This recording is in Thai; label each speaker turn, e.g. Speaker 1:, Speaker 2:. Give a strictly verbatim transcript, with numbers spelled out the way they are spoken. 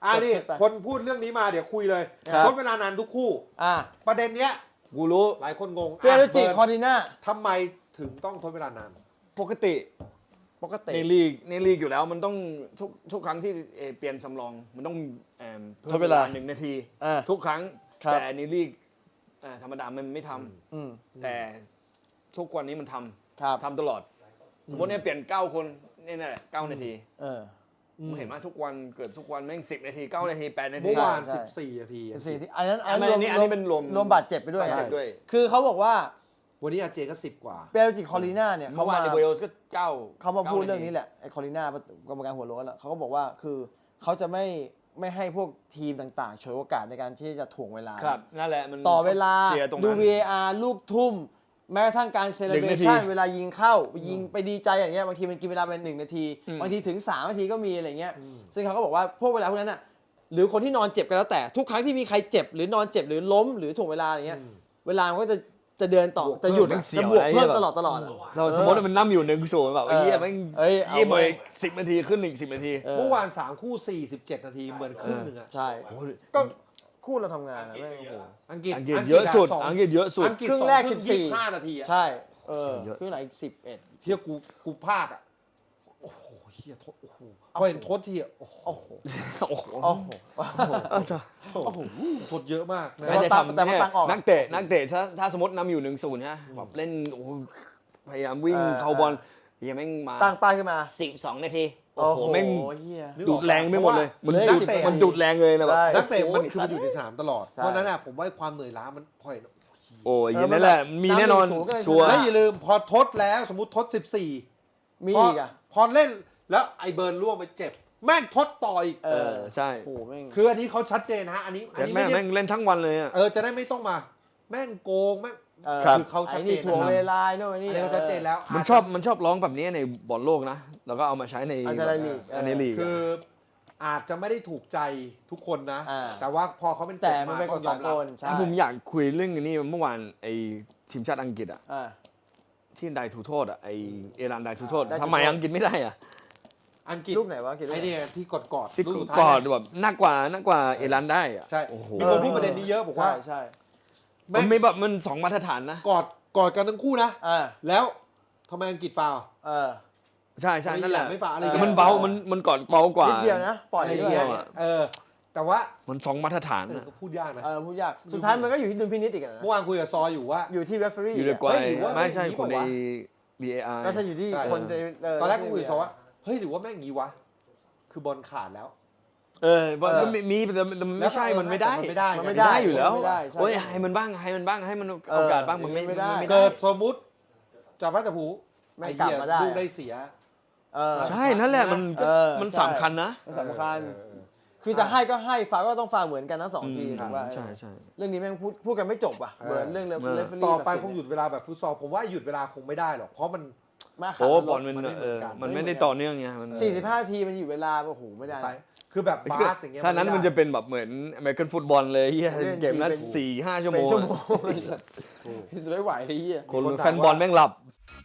Speaker 1: อ่านี่คนพูดเรื่องนี้มาเดี๋ยวคุยเลยทดเวลานานทุกคู่
Speaker 2: อ่า
Speaker 1: ประเด็นเนี้ย
Speaker 3: กูรู้
Speaker 1: หลายคนงง
Speaker 2: เปียโนจิคอร์ดิน่า
Speaker 1: ทำไมถึงต้องทดเวลานาน
Speaker 3: ปกติ
Speaker 2: ปกติ
Speaker 3: ในลีกในลีกอยู่แล้วมันต้องทุกทุกครั้งที่เปลี่ยนสำรองมันต้องเพิ่มเวลาหนึ่งนาทีทุกครั้งแต่ในลีกธรรมดามันไม่ทำแต่ทุกวันนี้มันทำทำตลอดสมมติเนี่ยเปลี่ยนเก้าคนนี่แหละเก้านาทีผมเห็นว่าทุกวันเกิดทุกวันแม่งสิบนาทีเก้านาทีแปดนาที
Speaker 1: เมื่อวานสิบสี่นาที
Speaker 2: สิบสี่อันนั้น
Speaker 3: อันนี้อันนี้เป็นรวม
Speaker 2: รวมบาดเจ็บไปด้วยคือเขาบอกว่า
Speaker 1: วันนี้อาเจก็สิบกว่า
Speaker 2: เปโรจิคอร์ดิน่าเนี่ย
Speaker 3: เขามาในเวลส์ก็เก้า
Speaker 2: เขามาพูดเรื่องนี้แหละไอ้คอร์ดิน่ากรรมการหัวโล้นเขาก็บอกว่าคือเขาจะไม่ไม่ให้พวกทีมต่างๆฉวยโอกาสในการที่จะถ่วงเวลา
Speaker 3: ครับนั่นแหละมัน
Speaker 2: ต่อเวลาดู วี เอ อาร์ ลูกทุ่มแม้กระทั่งการเซเลบรชั่นเวลายิงเข้ายิงไปดีใจอย่างเงี้ยบางทีมันกินเวลาเป็นหนึ่งนาทีบางทีถึงสามนาทีก็มีอะไรเงี้ยซึ่งเขาก็บอกว่าพวกเวลาพวกนั้นน่ะหรือคนที่นอนเจ็บกันแล้วแต่ทุกครั้งที่มีใครเจ็บหรือนอนเจ็บหรือล้มหรือถ่วงเวลาอย่างเงี้ยเวลามันก็จะจะเดินต่อจะหยุดจะบวกเพิ่มตลอดตลอด
Speaker 3: เราสมมติมันนั่งอยู่หนึ่งศูนย์แบบไอ้เหี้ยแม่งยี่ไปสิบนาทีขึ้นอีกสิบนาที
Speaker 1: เมื่อวานสามคู่สี่สิบเจ็ดนาทีเหมือนครึ่งหนึ่งอ่ะ
Speaker 2: ใช่ก็คู่เราทำงานนะแม่งโอ้โห
Speaker 1: อังกฤษ
Speaker 3: อังกฤษเยอะสุดอังกฤษเยอะสุด
Speaker 2: ครึ่งแรกสิบสี่
Speaker 1: ห้านาที
Speaker 2: ใช่เออครึ่งหลังอีกสิบเอ็ด
Speaker 1: เฮียกูกูพลาดอ่ะโอ้โหเฮียทดโอ้โหพอเห็นทดทีอ่ะโอ้โห
Speaker 2: โอ้โห
Speaker 1: โอ้โห
Speaker 2: โอ้โห
Speaker 1: โอ้โหทดเยอะมาก
Speaker 3: แต่จะทำแต่นักเตะนักเตะถ้าถ้าสมมตินำอยู่หนึ่งศูนย์นะแบบเล่นโอ้พยายามวิ่งเข้าบอลยังแม่งมา
Speaker 2: ตั้งป้ายขึ้นมา
Speaker 3: สิบสองนาที
Speaker 2: โอ้โหแม่ง
Speaker 3: ดูดแรงไม่หมดเลยมันดูดมันดูดแรงเลยนะแบบ
Speaker 1: นักเตะมันคือมันอยู่ในสนามตลอดเพราะนั้นอ่ะผมว่าความเหนื่อยล้ามันพอเห็น
Speaker 3: โอ้ยอย่างนั้นแหละมีแน่นอนชัวร์
Speaker 1: แล้วอย่าลืมพอทดแล้วสมมติทดสิบสี่
Speaker 2: มีอีกอ่ะ
Speaker 1: พอเล่นแล้วไอเบิร์นล่วงไปเจ็บแม่งทดต่ออีก
Speaker 3: เออใช่
Speaker 2: โอ้แม่ง
Speaker 1: คืออันนี้เขาชัดเจนนะอันนี้อันนี้
Speaker 3: แม่งแม่งเล่นทั้งวันเลยอ่ะ
Speaker 1: เออจะได้ไม่ต้องมาแม่งโกงแม่งคือเขาชัดเจน
Speaker 2: ถ่วงเวลาโน่นนี่
Speaker 1: เขาชัดเจนแล้ว
Speaker 3: มันชอบมันชอบร้องแบบนี้ในบอลโลกนะแล้วก็เอามาใช้ใน
Speaker 2: อั
Speaker 3: นนี้ลีก
Speaker 1: คืออาจจะไม่ได้ถูกใจทุกคนนะแต่ว่าพอเขาเป็น
Speaker 2: แต่มันเป็นกฎสากล
Speaker 3: ผมอยากคุยเรื่องนี้เมื่อวานไอ้ทีมชาติอังกฤษอ่ะที่ได้ถูกโทษอ่ะไอเอรันได้ถูกโทษทำไมอังกฤษไม่ได้อ่ะ
Speaker 1: อังกฤษ
Speaker 2: ลูกไหนวะ
Speaker 1: ไอเนี่ยที่กดกอด
Speaker 3: ที่กอดแบบนักกว่านักกว่าเอรันได้อ่ะ
Speaker 1: ใช่มีคนพูดประเด็นนี้เยอะบอกว่า
Speaker 2: ใช่
Speaker 3: มันไม่แบบมันสองมาตรฐานนะ
Speaker 1: กอดกอดกันทั้งคู่นะแล้วทำไมอังกฤษฟาว
Speaker 2: เออ
Speaker 3: ใช่ใช่นั่นแหละ
Speaker 1: ไม่ฟาวอะไร
Speaker 3: มันเบามันมันกอดเบากว่า
Speaker 2: นิดเดียวนะปล่อยนิดเดียว
Speaker 1: เออแต่ว่า
Speaker 3: มันสองมาตรฐาน
Speaker 1: นะพูดยากนะ
Speaker 2: เออพูดยากสุดท้ายมันก็อยู่ที่ดุลพินิจอีกนะ
Speaker 1: เมื่อวานคุยกับซออยู่ว่า
Speaker 2: อยู่ที่ referee
Speaker 3: อยู่ในกว่าไม่ใช่คนใน วี เอ อาร์
Speaker 2: ก็ใช่อยู่ที่คน
Speaker 1: ตอนแรกก็คุยกับซอว่าเฮ้ยหรือว่าแม่งงี้วะคือบอลขาดแล้ว
Speaker 3: เออมันมีแต่ไม่ใช่มันไม่ได้
Speaker 1: มันไม่ได้
Speaker 2: มันไม่ได้
Speaker 3: อยู่แล้วโอ้ยให้มันบ้างให้มันบ้างให้มันโอกาสบ้างมันไม่ได้
Speaker 1: เกิดสมมุติจับพระจับผูไอ้เหี้ยลูกได้เสีย
Speaker 3: ใช่นั่นแหละมันมันสำคัญนะ
Speaker 2: สำคัญคือจะให้ก็ให้ฟาก็ต้องฟาเหมือนกันทั้งสองทีถูกป่ะ
Speaker 3: ใช่ใช่
Speaker 2: เรื่องนี้แม่งพูดพูดกันไม่จบอ่ะเหมือนเรื่องเรื่อง
Speaker 1: ต่อไปคงหยุดเวลาแบบฟุตซอลผมว่าหยุดเวลาคงไม่ได้หรอกเพราะมัน
Speaker 3: โอ้บอลมันเออมันไม่ได้ต่อเนื่องไงมัน
Speaker 2: สี่สิบห้าทีมันอยู่เวลาโอ้โหไม่ได้
Speaker 1: คือแบบบาสอย่างเงี้ย
Speaker 3: ถ้านั้นมันจะเป็นแบบเหมือนอเมริกันฟุตบอลเลยเฮียเกมนั้นสี่ห้าชั่วโมง
Speaker 2: ชั่วโมงไม่ไหวเลยเฮีย
Speaker 3: คนแฟนบอลแม่งหลับ